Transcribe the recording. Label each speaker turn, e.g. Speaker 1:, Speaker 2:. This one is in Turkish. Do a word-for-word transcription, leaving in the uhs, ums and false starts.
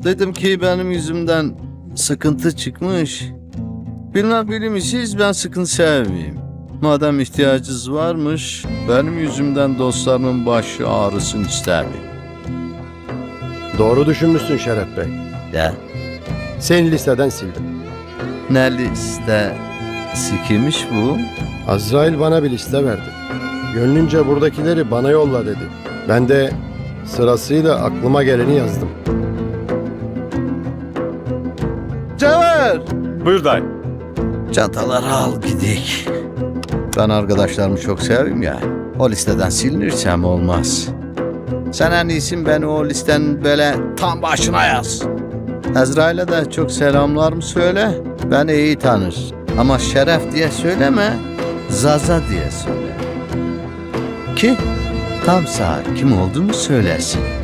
Speaker 1: Dedim ki benim yüzümden sıkıntı çıkmış. Bilmem bilmişiz, ben sıkıntı sevmeyeyim. Madem ihtiyacınız varmış, benim yüzümden dostlarımın başı ağrısın istemiyorum.
Speaker 2: Doğru düşünmüşsün Şeref Bey.
Speaker 1: Ya
Speaker 2: Seni listeden sildim.
Speaker 1: ne liste sikimiş bu?
Speaker 2: Azrail bana bir liste verdi. Gönlünce buradakileri bana yolla dedi. Ben de sırasıyla aklıma geleni yazdım.
Speaker 1: Cevher!
Speaker 3: Buyur dayı.
Speaker 1: Çantaları al gidik. Ben arkadaşlarımı çok seviyorum ya. O listeden silinirsem olmaz. Sen en iyisi beni o listenin böyle tam başına yaz. Ezrail'e de çok selamlarımı söyle. Beni iyi tanır. Ama Şeref diye söyleme. Zaza diye söyle. Ki tam sağ kim olduğumu söylesin.